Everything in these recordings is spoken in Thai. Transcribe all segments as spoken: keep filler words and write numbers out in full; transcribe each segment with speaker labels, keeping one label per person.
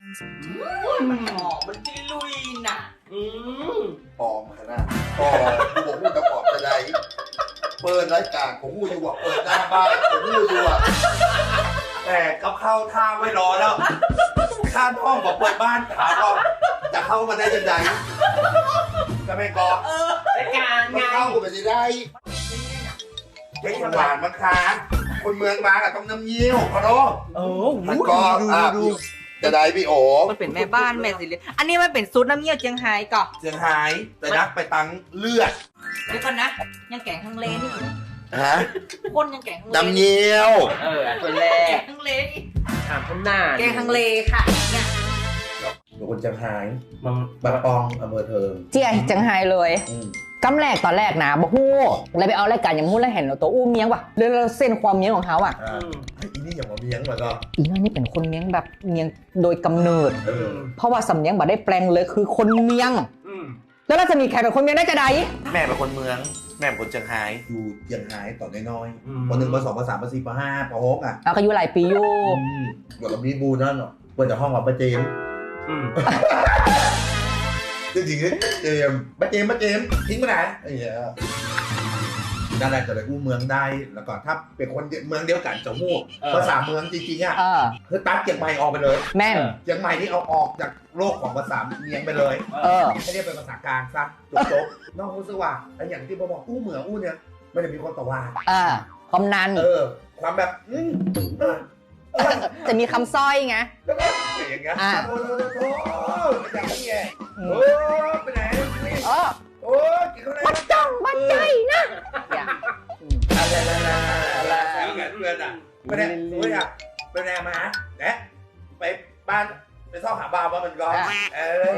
Speaker 1: หอมมันจิลุยน่ะอืม
Speaker 2: ปลอมขนาดปลอมกูบอกกูจะปลอมจะได้เปิดรายการของกูอยู่อ่ะเปิดหน้าบ้านของกูอยู่อ่ะแต่กับเข้าท่าไม่รอแล้วข้ามห้องบอกเปิดบ้านถามว่าจะเข้ามาได้ยังไงก็ไม่กอ
Speaker 1: เออรายการไง
Speaker 2: มันเข้ากูไปสิได้เฮ้ยหวานมาค้างคนเมืองมากับต้องน้ำเงี้ยวขอโทษ
Speaker 1: เออ
Speaker 2: มันก็อ่ะจะได้พี่โอ
Speaker 1: มันเป็นแม่บ้านแม่สิเลยอันนี้มันเป็นซุปน้ำเงี้ยวเจียงไฮ้ก่อน
Speaker 2: เสียงหายแต่นักไปตังเลือด
Speaker 1: เดี๋ยวก่อนนะ ยังแกงฮังเลนี่
Speaker 2: ฮะ
Speaker 1: คนยังแกงฮังเล
Speaker 2: น้ำเงี้ยว
Speaker 3: เออคนแร
Speaker 1: แก
Speaker 3: ก
Speaker 1: งฮังเลนี่
Speaker 3: ถามคนหน้า
Speaker 1: แกงฮังเลค่ะเนี่ย
Speaker 2: เป็นคนจังหาย
Speaker 3: มัน
Speaker 2: บางปองอำเภอเทิง
Speaker 4: เจียจังไฮเลย
Speaker 2: อืม
Speaker 4: กำแรกตอนแรกนะบอกฮู้เลยไปเอารายการอย่างมู้แล้วเห็นตัวอู้เมียงว่ะเลยเราเส้นความเมียงของเขาอ่ะ
Speaker 2: อ่าไอ้อีนี่อย่างว่าเมียงเหมือนก็
Speaker 4: อีนั่นนี่เป็นคนเมียงแบบเมียงโดยกำเนิด
Speaker 2: เออ
Speaker 4: เพราะว่าสำเนียงบ่ได้แปลงเลยคือคนเมียง
Speaker 3: อืม
Speaker 4: แล้วเราจะมีใครเป็นคนเมียงได้จะใด
Speaker 2: แม่เป็นคนเมือง แม่เป็นคนจังหายอยู่จังหายตอนน้อยๆปหนึ่งปสองปสามปสี่ปห้าปหกอ่ะ
Speaker 4: เราก็อยู่หลายปีอยู่
Speaker 2: อืมเดี๋ยวเรามีบูนั่นเนาะเปิดจากห้องกับป้าเจมส์
Speaker 3: อืม
Speaker 2: จริงๆเจมส์ป้าเจมส์ป้าเจมส์ทิ้งไปไหนไอ้เหี้ยนั่นแหละจะเลยกู้เมืองได้แล้วก็ถ้าเป็นคนเมืองเดียวกันจะหู้ภาษาเมืองจริงๆอ่ะ
Speaker 4: เออ
Speaker 2: คือตัดเชียงใหม่ออกไปเลย
Speaker 4: แม่น
Speaker 2: เชียงใหม่นี่เอาออกจากโลกของภาษาเมียงไปเลย
Speaker 4: เออ
Speaker 2: ให้เรียกเป็นภาษากลางซะจบๆนอกรู้สึกว่าไอ้อย่างที่ผมบอกอู้เหมืองอู้เนี่ยไม่ได้มีคนต่อว่า
Speaker 4: เออความนัน
Speaker 2: เออ ความแบบอืมเออเออ
Speaker 4: จะมีคำสร้อยไง
Speaker 2: แล้วก็อย่างเงี้ย
Speaker 4: อ่า
Speaker 2: โอ้โหโอ้โหอย่างนี้ไง
Speaker 4: อื
Speaker 2: โอ้
Speaker 4: ม
Speaker 2: ไปไหนนี่
Speaker 4: เออ
Speaker 2: โอ้กินข้าวไหน
Speaker 4: บัดจ้องบัดใจนะอย่าอืม
Speaker 2: อะไรอะไรอะไรแล้วไงเพื่อนอ่ะไม่ได้ไม่ได้ไปไหนมาแนะไปบ้านไปซ่อมหาบ้านว่ามันก็เออ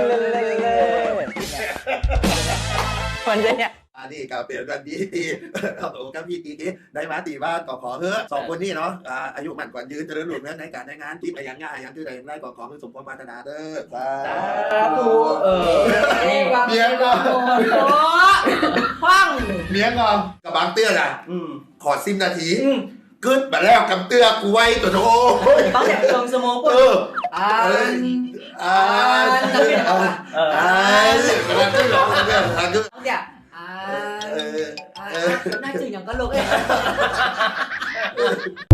Speaker 4: คนจะเนี่ย
Speaker 2: อันนี้กับเปลี่ยนกันดีตีเอาตัวกับพี่ตีตีได้มาตีบ้านก็ขอเฮ้อสองคนนี้เนาะอ่าอายุมันกว่ายืนเจริญหลุดเนื้อในการในงานที่ไปยังง่ายยังที่ใดได้ก็ขอให้สมความปรารถนาเด้อสาธุ
Speaker 3: เออ
Speaker 2: เมียก็
Speaker 1: โอ้ฟัง
Speaker 2: เมียก็กับบางเตื้อน่ะ
Speaker 3: อืม
Speaker 2: ขอสิบนาทีกึดมาแล้วกับเตื้อกูไว้ตัวโต
Speaker 1: ต้องแบบเติมสมอง
Speaker 2: เอ
Speaker 1: ปุ๊บ
Speaker 2: อ
Speaker 1: อ่า
Speaker 2: อ่าอ่า
Speaker 3: เออ
Speaker 2: อ่าเวลาที่ร้องเนี่ยอ่าคือ
Speaker 1: เนี่ยอ่า
Speaker 2: เออ
Speaker 1: อ่าน่าจืดอย่างก็ลุกเลย